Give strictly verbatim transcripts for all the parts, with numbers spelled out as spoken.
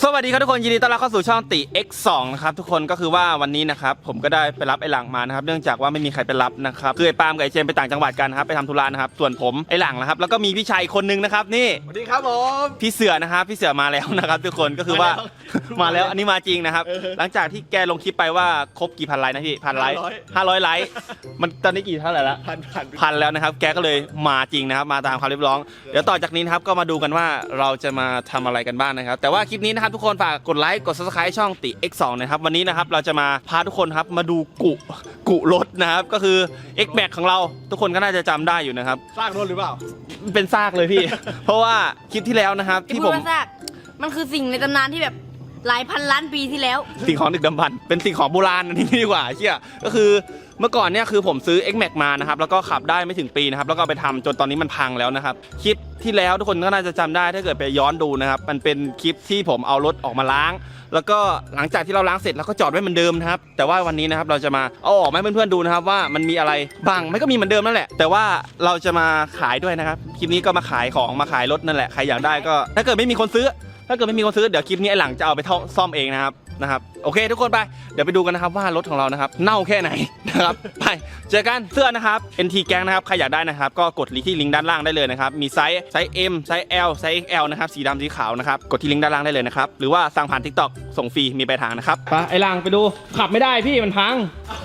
สวัสดีครับทุกคนยินดีต้อนรับเข้าสู่ช่องติ เอ็กซ์ สอง นะครับทุกคนก็คือว่าวันนี้นะครับผมก็ได้ไปรับไอ้หลังมานะครับเนื่องจากว่าไม่มีใครไปรับนะครับคือไอ้ปาล์มกับไอ้เจมไปต่างจังหวัดกันนะครับไปทำธุระนะครับส่วนผมไอ้หลังนะครับแล้วก็มีพี่ชายอีกคนนึงนะครับนี่สวัสดีครับผมพี่เสือนะครับพี่เสือมาแล้วนะครับทุกคนก็คือว่ามาแล้วอันนี้มาจริงนะครับหลังจากที่แกลงคลิปไปว่าครบกี่พันไลค์นะพี่พันไลค์ห้าร้อยไลค์มันตอนนี้กี่เท่าไหร่ละพันพันพันแล้วนะครับแกก็เลยมาจริงนะครับมาตามคำเรียกร้องเดี๋ยวต่อจากนี้นะครับก็มาดูกันว่าเราจะมาทำอะไรกันบ้างนะครับแต่ว่าคลิปนี้นะครับทุกคนฝากกดไลค์กด ซับสไครบ์ ช่องติ เอ็กซ์ สอง นะครับวันนี้นะครับเราจะมาพาทุกคนครับมาดูกุกุรถนะครับก็คือ X Max ของเราทุกคนก็น่าจะจำได้อยู่นะครับซากรถหรือเปล่าเป็นซากเลยพี่ เพราะว่าคลิปที่แล้วนะครับที่ผมซากมันคือสิ่งในตำนานที่แบบหลายพันล้านปีที่แล้วสิ่งของดึกดำบรรพ์เป็นสิ่งของโบราณนี่ดีกว่าเชี่ยก็คือเมื่อก่อนเนี่ยคือผมซื้อ X Max มานะครับแล้วก็ขับได้ไม่ถึงปีนะครับแล้วก็ไปทำจนตอนนี้มันพังแล้วนะครับคลิปที่แล้วทุกคนก็น่าจะจำได้ถ้าเกิดไปย้อนดูนะครับมันเป็นคลิปที่ผมเอารถออกมาล้างแล้วก็หลังจากที่เราล้างเสร็จเราก็จอดไว้เหมือนเดิมนะครับแต่ว่าวันนี้นะครับเราจะมาเอาออกมาให้เพื่อนๆดูนะครับว่ามันมีอะไรบ้างไม่ก็มีเหมือนเดิมนั่นแหละแต่ว่าเราจะมาขายด้วยนะครับคลิปนี้ก็มาขายของมาขายรถนั่นแหละใครอยากได้ก็ถ้าเกิดไม่มีคนซื้อถ้าเกิดไม่มีคนซื้อเดี๋ยวคลิปนี้ไอ้หลังจะเอาไปซ่อมเองนะครับนะครับโอเคทุกคนไปเดี๋ยวไปดูกันนะครับว่ารถของเรานะครับเน่าแค่ไหนนะครับไปเจอกันเสื้อนะครับ เอ็น ที Gang นะครับใครอยากได้นะครับก็กดที่ลิงก์ด้านล่างได้เลยนะครับมีไซส์ไซส์ M ไซส์ L ไซส์ เอ็กซ์ แอล นะครับสีดำสีขาวนะครับกดที่ลิงก์ด้านล่างได้เลยนะครับหรือว่าสั่งผ่าน TikTok ส่งฟรีมีปลายทางนะครับไปไอ้หลังไปดูขับไม่ได้พี่มันพัง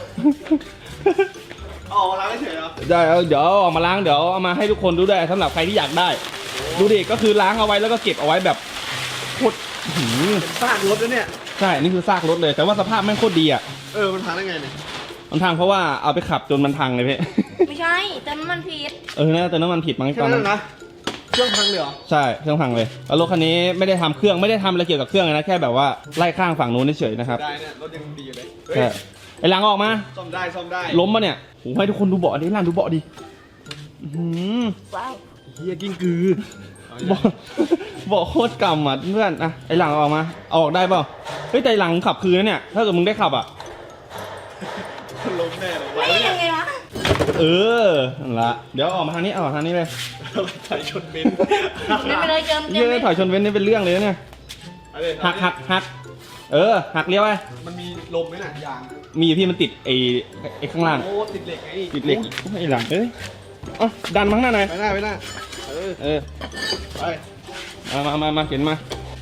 ออกมาล้างเฉยเหรอได้เดี๋ยวออกมาล้างเดี๋ยวเอามาให้ทุกคนดูได้สำหรับใครที่อยากได้ดูดิก็คือล้างเอาไว้แล้วก็เก็บเอาไว้แบบโคตรซากรถแล้วเนี่ยใช่นี่คือซากรถเลยแต่ว่าสภาพแม่งโคตรดีอ่ะเออมันพังได้ไงเนี่ยมันพังเพราะว่าเอาไปขับจนมันพังเลยพี่ไม่ใช่แต่น้ำมันผิดเออน่าจะน้ำมันผิดมั้งตอนนั้นนะเครื่องพังเลยเหรอใช่เครื่องพังเลยแล้วรถคันนี้ไม่ได้ทำเครื่องไม่ได้ทำอะไรเกี่ยวกับเครื่องนะแค่แบบว่าไล่ข้างฝั่งนู้นเฉยๆนะครับได้เนี่ยรถยังดีอยู่เลยใช่ไอ้หลังออกมาซ่อมได้ซ่อมได้ล้มมาเนี่ยโอ้ให้ทุกคนดูเบาะดิหลังดูเบาะดิว้าวเฮียกิ้งกือบอกบอกโคตรกำอ่ะเพื่อนอ่ะไอหลังออกมาเอาออกได้เปล่าเฮ้ยแต่หลังขับคืนนะเนี่ยถ้าเกิดมึงได้ขับอ่ะล้มแน่เลยไม่ยังไงวะเออนั่นละเดี๋ยวออกมาทางนี้เอาออกทางนี้เลยถอยชนเบนซ์ไม่เป็นไรเจิมเยอะถอยชนเบนซ์นี่เป็นเรื่องเลยเนี่ยหักหักหักเออหักเลี้ยวไปมันมีลมไหมน่ะยางมีพี่มันติดไอ้ไอ้ข้างล่างโอ้ติดเหล็กไงติดเหล็กไอ้หลังเอ้ยอ๋อดันมั้งหน้าหน่อยไปหน้าไปหน้าเออเออไปมามามามาเข็นมา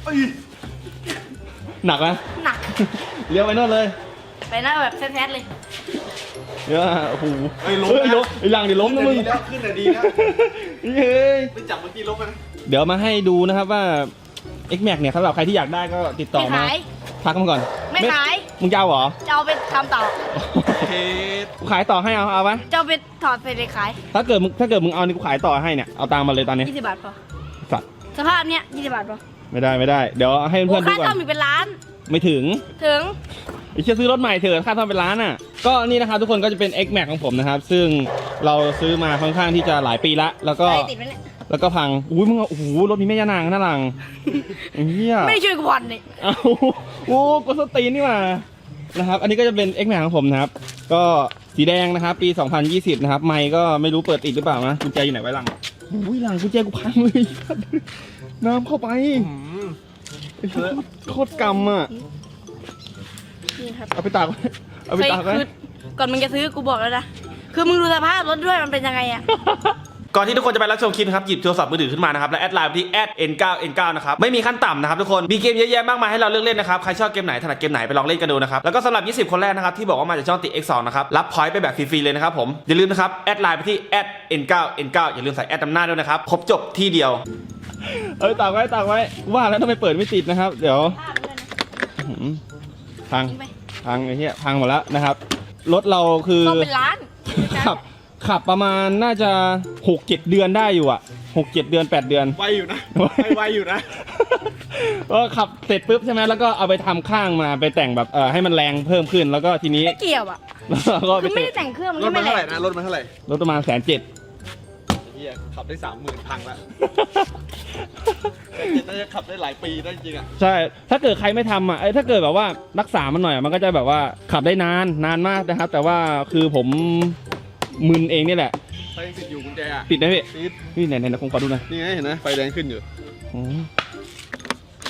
หนักไหมหนักเลี้ยวไปโน่นเลยไปหน้าแบบแท้ๆเลยเยอะโอ้โหไอ้ล้มไอ้หลังเดี๋ยวล้มนะมึงแล้วขึ้นแต่ดีนะเฮ้ยไปจับเมื่อกี้ล้มนะเดี๋ยวมาให้ดูนะครับว่า X Max เนี่ยสำหรับใครที่อยากได้ก็ติดต่อมาทักมาก่อนไม่ขายมึงจะเอาเหรอจะเอาไปทำต่อกูขายต่อให้เอาเอาไหมจะเอาไปถอดไปเลยขายถ้าเกิดมึงถ้าเกิดมึงเอานี่กูขายต่อให้เนี่ยเอาตามมาเลยตอนนี้ยี่สิบบาทพอสัตว์สภาพเนี้ยยี่สิบบาทพอไม่ได้ไม่ได้เดี๋ยวให้เพื่อนดูก่อนค่าซ่อมอีกเป็นล้านไม่ถึงถึงไอ้เชี่ยซื้อรถใหม่เถอะค่าซ่อมเป็นล้านอ่ะก็นี่นะครับทุกคนก็จะเป็น X Max ของผมนะครับซึ่งเราซื้อมาค่อนข้างที่จะหลายปีละแล้วก็แล้วก็พังอุ้ยมึงโอ้โหรถมีแม่ย่านางน่ารังเฮียไม่ช่วยกูผ่อนนี่อ้าวโอ้กูสตีนนี่มานะครับอันนี้ก็จะเป็น X Max ของผมนะครับก็สีแดงนะครับปีสองพันยี่สิบนะครับไมค์ก็ไม่รู้เปิดติดหรือเปล่านะกุญแจอยู่ไหนไว้หลังอุ้ยหลังกุญแจกูพังเลยน้ำเข้าไปโคตรกำอ่ะเอาไปตากเอาไปตากไว้ก่อนมึงจะซื้อกูบอกแล้วนะคือมึงดูสภาพรถด้วยมันเป็นยังไงอ่ะก่อนที่ทุกคนจะไปรับชมคลิปนะครับหยิบโทรศัพท์มือถือขึ้นมานะครับและแอดไลน์ไปที่ แอท เอ็น เก้า เอ็น เก้า นะครับไม่มีขั้นต่ำนะครับทุกคนมีเกมเยอะแยะมากมายให้เราเลือกเล่นนะครับใครชอบเกมไหนถนัดเกมไหนไปลองเล่นกันดูนะครับแล้วก็สำหรับยี่สิบคนแรกนะครับที่บอกว่ามาจากช่องติ เอ็กซ์ สอง นะครับรับพอยต์ไปแบบฟรีๆเลยนะครับผมอย่าลืมนะครับแอดไลน์ไปที่ แอท เอ็น เก้า เอ็น เก้า อย่าลืมใส่แอดนำหน้าด้วยนะครับครบจบที่เดียวเอ้ยตากไว้ตากไว้ว่าแล้วทำไมเปิดไม่ติดนะครับเดี๋ยวพังพังไอ้เหี้ยพังหมดแล้วนะครับรถเราคือเป็นล้านขับขับประมาณน่าจะหกเจ็ดเดือนได้อยู่อ่ะหกเจ็ดเดือนแปดเดือนไวอยู่นะไวอยู่นะก็ขับเสร็จปุ๊บใช่ไหมแล้วก็เอาไปทำข้างมาไปแต่งแบบเออให้มันแรงเพิ่มขึ้นแล้วก็ทีนี้ไม่เกี่ยวอ่ะก็ไม่ได้แต่งเครื่องรถมันเท่าไหร่นะรถมันเท่าไหร่รถประมาณแสนเจ็ดเฮียขับได้สามหมื่นพังละน่าจะขับได้หลายปีได้จริงอ่ะใช่ถ้าเกิดใครไม่ทำอ่ะไอ้ถ้าเกิดแบบว่ารักษามันหน่อยมันก็จะแบบว่าขับได้นานนานมากนะครับแต่ว่าคือผมมึนเองนี่แหละไฟติดอยู่กุญแจอ่ะติดนะพี่ติดนี่ไหนไหนคงขอดูหน่อยนี่ไงเห็นไหมไฟแดงขึ้นอยู่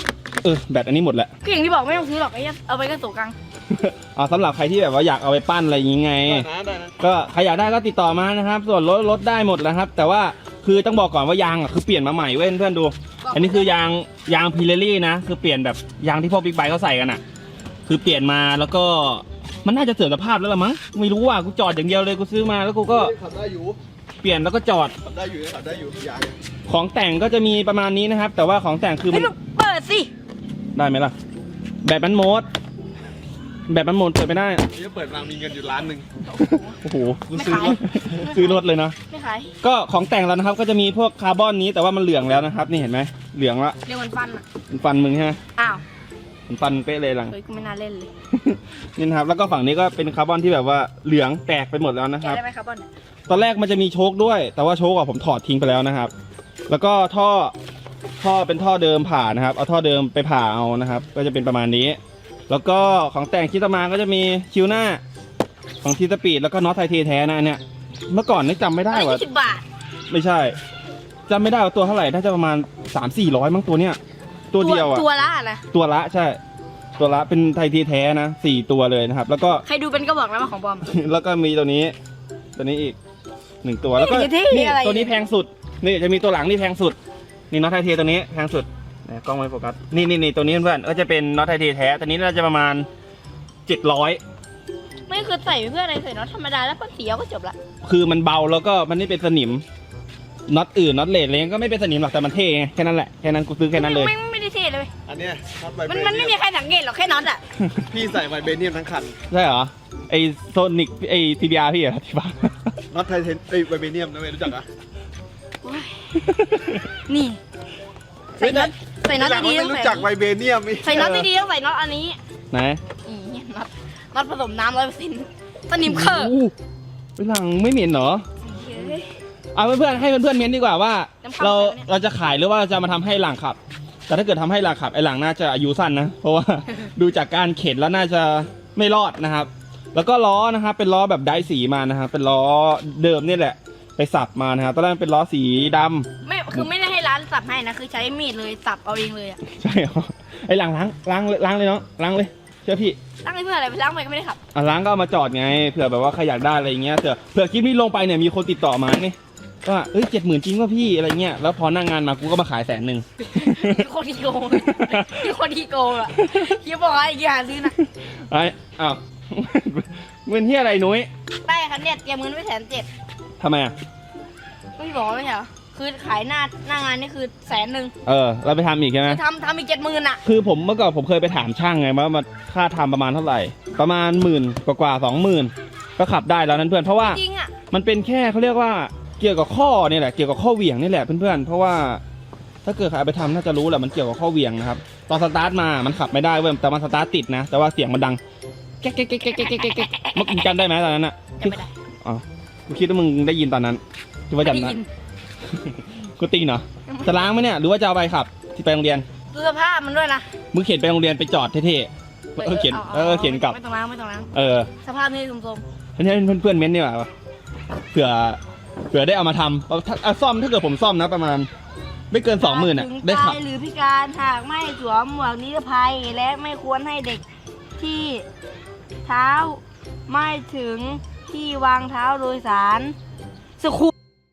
เออแบตอันนี้หมดแหละก็อย่างที่บอกไม่ต้องซื้อหรอกไอ้เหี้ยเอาไปก็สูกลางเอาสำหรับใครที่แบบว่าอยากเอาไปปั้นอะไรอย่างงี้ไงได้นะได้นะก็ใครอยากได้ก็ติดต่อมานะครับ ส่วนลดลดได้หมดแล้วครับ แต่ว่าคือต้องบอกก่อนว่ายางอ่ะคือเปลี่ยนมาใหม่เว้ยเพื่อนดู อันนี้คือยางยางพิเรลี่นะคือเปลี่ยนแบบยางที่พวกบิ๊กไบค์เขาใส่กันอ่ะ คือเปลี่ยนมาแล้วก็มันน่าจะเสื่อมสภาพแล้วละมั้งไม่รู้ว่ากูจอดอย่างเดียวเลยกูซื้อมาแล้วกูก็ขับได้อยู่เปลี่ยนแล้วก็จอดขับได้อยู่ขับได้อยู่ยางของแต่งก็จะมีประมาณนี้นะครับ แต่ว่าของแต่งคือมัให้นลูกเปิดสิได้ไหมล่ะ แบบมันโหมด แบบมันโหมดเปิดไม่ได้นี่เปิดมามีเงินอยู่ล้านหนึ่งโอ้โหไม่ซื้อขายรถซื้อรถเลยนะไม่ขายก็ของแต่งแล้วนะครับ ก็จะมีพวกคาร์บอนนี้แต่ว่ามันเหลืองแล้วนะครับ นี่เห็นไหมเหลืองละเรียกมันฟันอ่ะมันฟันมึงใช่ไหมอ้าวมันฟันเป๊ะเลยหลังเฮ้ยกูไม่น่าเล่นเลยนี่นะครับ แล้วก็ฝั่งนี้ก็เป็นคาร์บอนที่แบบว่าเหลืองแตกไปหมดแล้วนะคแกะรับได้ไหมครับบอลตอนแรกมันจะมีโชคด้วย แต่ว่าโชคอะผมถอดทิ้งไปแล้วนะครับ แล้วก็ท่อท่อเป็นท่อเดิมผ่านะครับ เอาท่อเดิมไปผ่าเอานะครับ ก็จะเป็นประมาณนี้ แล้วก็ของแต่งคิดตามาก็จะมีคิวหน้าของทีสปีดแล้วก็น็อตไทเทแท้นะอันเนี่ยเมื่อก่อนนี่จำไม่ได้ได้ว่ายี่สิบบาทไม่ใช่จำไม่ได้ว่าตัวเท่าไหร่น่าจะประมาณสามสี่ร้อยมั้งตัวเนี้ยตัวเดียวอะตัวละนะตัวละใช่ ตัวละเป็นไทเทแท้นะสี่ตัวเลยนะครับ แล้วก็ใครดูเป็นก็บอกแล้วว่าของปลอมแล้วก็มีตัวนี้ ตัวนี้อีกหนึ่งตัวแล้วก็นี่ที่นี่อะไรตัวนี้แพงสุดนี่จะมีตัวหลังนี่แพงสุดนี่น็อตไทเทตัวนี้แพงสุดนะกล้องไม่โฟกัสนี่นี่นี่ตัวนี้เพื่อนก็จะเป็นน็อตไทเทแท้ตัวนี้น่าจะประมาณเจ็ดร้อยไม่คือใส่เพื่ออะไรใส่น็อตธรรมดาแล้วก็เสียวก็จบละคือมันเบาแล้วก็มันไม่เป็นสนิมน็อตอื่นน็อตเลดอะไรเงี้ยก็ไม่เป็นสนิมหรอกแต่มันเท่ไงแค่นั้นแหละแค่นั้นกูซื้อแค่นั้นเลยไม่ไม่ได้เท่เลยเว้ยอันเนี้ยน็อตไวเบมันเนียมันไม่มีใครสังเกตหรอกแค่น็อตอ่ะพี่ใส่ไวเบเนียมทั้งคันใช่เหรอไอโซนิกไอทีบีอาร์พี่เหรอที่บ้านน็อตไทเทนไอยไวเบเนียมนะเว้ยรู้จักอ่ะโอ้ยนี่ใส่น็อตใส่น็อตรู้ดีๆจัต้กองไม่ใส่รู้จักไวเบเนียมใส่น็อตดีๆต้องใส่น็อตอันนี้ไหนนี่น็อตน็อตผสมน้ำร้อยเปอร์เซ็นต์สนิมเคิร์โอ้โหไปหลังไม่เหม็นเหรอ เอาเพื่อนๆให้เพื่อนๆเม้นดีกว่าว่าน้ำข้าวเราใส่ไหมเนี่ยเราจะขายหรือว่าเราจะมาทำให้หลังขับ แต่ถ้าเกิดทำให้หลังขับไอ้หลังน่าจะอายุสั้นนะ เพราะว่า ดูจากการเข็นแล้วน่าจะไม่รอดนะครับ แล้วก็ล้อนะครับเป็นล้อแบบไดสีมานะครับเป็นล้อเดิมนี่แหละ ไปสับมานะครับตอนแรกเป็นล้อสีดำไม่คือไม่ได้ให้ร้านสับให้นะคือใช้มีดเลยสับเอาเองเลยอ่ะใช่เหรอไอ้หลังล้างล้างเลยล้างเลยเนาะล้างเลยเชื่อพี่ล้างไปเพื่ออะไรไปล้างไปก็ไม่ได้ขับอ่ะล้างก็เอามาจอดไงเผื่อแบบว่าใครอยากได้อะไรอย่างเงี้ยเผื่อเผื่อคลิปนี้ลงไปเนี่ยมีคนติดต่อมาไงว่าเอ้ยเจ็ดหมื่นจริงป่ะพี่อะไรเงี้ยแล้วพอหนั่งงานมากูก็มาขายแสนหนึ่งโคตรที่โกงโคตรที่โกงอ่ะเฮียบอกอะไรอย่าซื้อนะไอ้อ้าว เงินที่อะไรนุ้ยได้คันเนี่ยเตรียมเงินไว้แสนเจ็ดทำไมอ่ะไม่บอกไม่ใช่เหรอคือขายหน้าหน้างานนี่คือแสนหนึ่งเออเราไปทำอีกใช่ไหมทำทำอีกเจ็ดหมื่นอ่ะคือผมเมื่อก่อนผมเคยไปถามช่างไงว่ามันค่าทำประมาณเท่าไหร่ ประมาณหมื่นกว่าสองหมื่นก็ขับได้แล้วนั้นเพื่อนเพราะว่าจริงอ่ะมันเป็นแค่เขาเรียกว่าเกี่ยวกับข้อเนี่ยแหละเกี่ยวกับข้อเหวี่ยงนี่แหละเพื่อนๆเพราะว่าถ้าเกิดใครเอาไปทำน่าจะรู้แหละมันเกี่ยวกับข้อเหวี่ยงนะครับตอนสตาร์ทมามันขับไม่ได้เว้ยแต่มันสตาร์ทติดนะ แต่ว่าเสียงมันดังแก๊กแก๊กแก๊กแก๊กแก๊กแก๊กแก๊กเมื่อกี้จำได้ไหมตอนนั้นอ่ะจำไม่ได้อ๋อกูคิดว่ามึงได้ยินตอนนั้นคิดว่าไม่จำได้ได้ยินกูตีนเหรอจะล้างไหมเนี่ยหรือว่าจะเอาไปขับที่ไปโรงเรียนดูสภาพมันด้วยนะมึงเขียนไปโรงเรียนไปจอดเท่ๆเออเขียนเออเขียนกลับไม่ต้องล้างไม่ต้องล้างเออสภาพนี่สมให้เพื่อนๆเม้นดีกว่าเผื่อเผื่อได้เอามาทำเอาถ้าเอาซ่อมถ้าเกิดผมซ่อมนะประมาณ ไม่เกินๆสองหมื่นอ่ะถึงได้ขับตายหรือพิการหากไม่สวมหมวกนิรภัยและไม่ควรให้เด็กที่เท้าไม่ถึงที่วางเท้าโดยสารสคู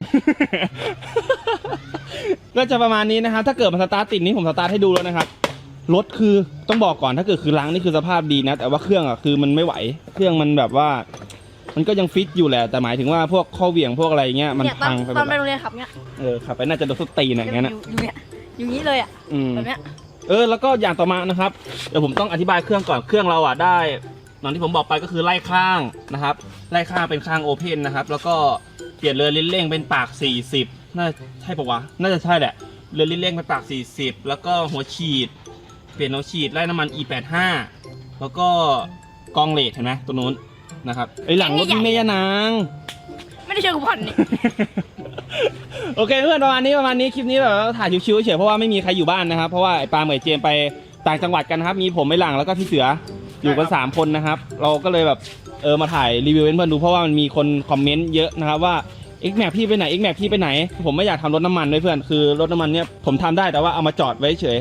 ก็จะประมาณนี้นะครับถ้าเกิดมันสตาร์ทติดนี้ผมสตาร์ทให้ดูแล้วนะครับรถคือต้องบอกก่อนถ้าเกิดคือล้างนี่คือสภาพดีนะ แต่ว่าเครื่องอ่ะคือมันไม่ไหวเครื่องมันแบบว่า มันก็ยังฟิตอยู่แหละแต่หมายถึงว่าพวกข้อเหวี่ยงพวกอะไรเงี้ยมันเนี่ยตอพันงไปหตมอนดไปโรงเรียนขับเนี่ยเออขับไปน่าจะโดนสุดตีนอย่างเงี้ยนะอยู่เนี่ยอยู่นี้เลยอ่ะอืมแบบเนี้ยเออแล้วก็อย่างต่อมานะครับเดี๋ยวผมต้องอธิบายเครื่องก่อนเครื่องเราอ่ะได้ตอนที่ผมบอกไปก็คือไล่ข้างนะครับไล่ข้างเป็นข้างโอเพนนะครับแล้วก็เปลี่ยนเรือลิ้นเร่งเป็นปากสี่สิบน่าใช่ปะวะน่าจะใช่แหละเรือลิ้นเร่งเป็นปากสี่สิบแล้วก็หัวฉีดเปลี่ยนหัวฉีดไล่น้ำมัน อี แปดสิบห้า แล้วก็กองเลดเห็นไหมตัวนู้นนะครับไอหลังรถนี่ไม่ยานางไม่ได้เชิญกูผ่อนนี่โอเคเพื่อนประมาณนี้ประมาณนี้คลิปนี้แบบว่าถ่ายชิวๆเฉยๆเพราะว่าไม่มีใครอยู่บ้านนะครับเพราะว่าไอ้ปาล์มกับไอ้เจมไปต่างจังหวัดกันนะครับมีผมไอ้หลังแล้วก็พี่เสืออยู่กันสามคนนะครับเราก็เลยแบบเออมาถ่ายรีวิวให้เพื่อนดูเพราะว่ามันมีคนคอมเมนต์เยอะนะครับว่า X Max พี่ไปไหน X Max พี่ไปไหนผมไม่อยากทำรถน้ำมันด้วยเพื่อนคือรถน้ำมันเนี่ยผมทำได้แต่ว่าเอามาจอดไว้เฉย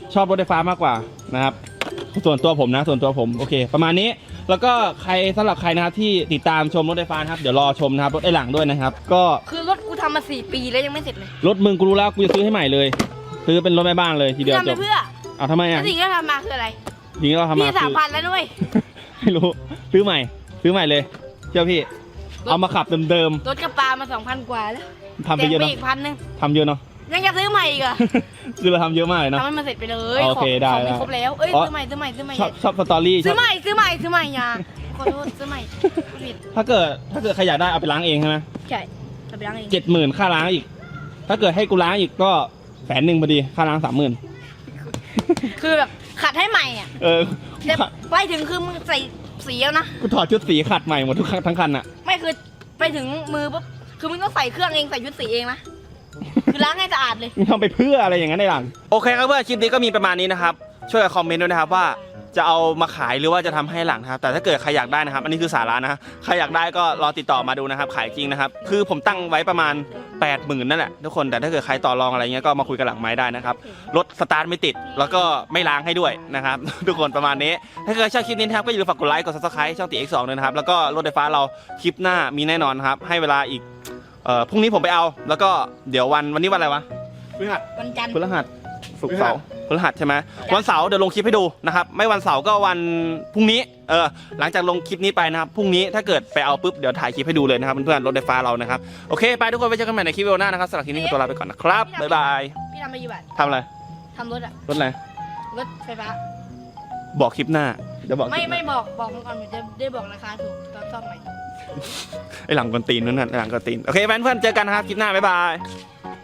ชอบรถไฟฟ้ามากกว่านะครับส่วนตัวผมนะส่วนตัวผมโอเค ประมาณนี้แล้วก็ใครสำหรับใครนะครับที่ติดตามชมรถไฟฟ้านะครับเดี๋ยวรอชมนะครับรถไอ้หลังด้วยนะครับก็คือรถกูทำมาสี่ปีแล้วยังไม่เสร็จเลยรถมึงกูรู้แล้วกูจะซื้อให้ใหม่เลยซื้อเป็นรถแม่บ้านเลยทีเดียวทำจไปบเพื่อเอาทำไมแล้อ่ะวสิ่งที่ทำมาคืออะไรทีนี้เราทำมาพี่สามคือพันแล้วด้วยไม่รู้ซื้อใหม่ ซื้อใหม่เลยเชื่อพี่ เอามาขับเดิมรถกระปามาสองพันกว่าแล้วๆทำไปเยอะแต่เนาะอีกพันหนึ่งทำเยอะเนาะยังจะซื้อใหม่อีกเหรอคือเราทำเยอะมากเลยเนาะทำให้มันเสร็จไปเลยโอเคของได้ของได้มีครบแล้วเอ้ยอ๋อซื้อใหม่ซื้อใหม่ซื้อใหม่ชอบชอบสตอรี่ชซื้ออบ ใหม่ซื้อใหม่ซื้อใหม่อยาขอโทษซื้อใหม่พูดผิดถ้าเกิดถ้าเกิดใครอยากได้เอาไปล้างเองใช่ไหมใช่จะไปล้างเองเจ็ดหมื่นค่าล้างอีก ถ้าเกิดให้กูล้างอีกก็แสนหนึ่งพอดีค่าล้างสามหมื่นคือแบบขัดให้ใหม่อ่ะเออแต่ไปถึงคือมึงใส่สีแล้วนะกูถอดชุดสีขัดใหม่หมดทุกคันทั้งคันอ่ะไม่คือไปถึงมือปุ๊บคือมึงต้องใส่เครื่องเองใส่ชุดสีเองนะคือล้างให้สะอาดเลยมึงทำไปเพื่ออะไรอย่างนั้นได้หลังโอเคครับเพื่อนคลิปนี้ก็มีประมาณนี้นะครับช่วยคอมเมนต์ด้วยนะครับว่าจะเอามาขายหรือว่าจะทำให้หลังนะครับแต่ถ้าเกิดใครอยากได้นะครับอันนี้คือสาระนะฮะใครอยากได้ก็รอติดต่อมาดูนะครับขายจริงนะครับคือผมตั้งไว้ประมาณ แปดหมื่น นั่นแหละทุกคนแต่ถ้าเกิดใครต่อรองอะไรเงี้ยก็มาคุยกันหลังไม้ได้นะครับรถสตาร์ทไม่ติดแล้วก็ไม่ล้างให้ด้วยนะครับ ทุกคนประมาณนี้ถ้าเกิดชอบคลิปนี้นะครับก็อย่าลืมฝากกดไลค์กด ซับสไครบ์ ช่องตี เอ็กซ์ สอง ด้วยนะครับแล้วก็รถไฟฟ้าเราคลิปหน้ามีแน่นอนครับให้เวลาอีกเอ่อพรุ่งนี้ผมไปเอาแล้วก็เดี๋ยววันวันนี้วันอะไรวะพฤหัสวันจันทร์พฤหัสศุกร์เสาร์พฤหัสใช่ไหมวันเสาร์เดี๋ยวลงคลิปให้ดูนะครับไม่วันเสาร์ก็วันพรุ่งนี้เออหลังจากลงคลิปนี้ไปนะครับพรุ่งนี้ถ้าเกิดไปเอาปุ๊บเดี๋ยวถ่ายคลิปให้ดูเลยนะครับเพื่อนๆรถไฟฟ้าเรานะครับโอเคไปทุกคนไปเจอกันใหม่ในคลิปวิดีโอหน้านะครับสำหรับคลิปนี้ขอตัวลาไปก่อนนะครับบ๊ายบายพี่ทำไปกี่บาททำอะไรทำรถอะรถอะไรรถไฟฟ้าบอกคลิปหน้าเดี๋ยวบอกไม่คลิปหไม่น้าบอกบอกมันก่อนเดี๋ยวจะได้บอกราคาถูกตอนซ่อมใหม่ไอหลังกวนตีนนั่นน่ะไอหลังกวนตีนโอเคเพื่อนๆเจอกันนะครับคลิปหน้าบ๊ายบาย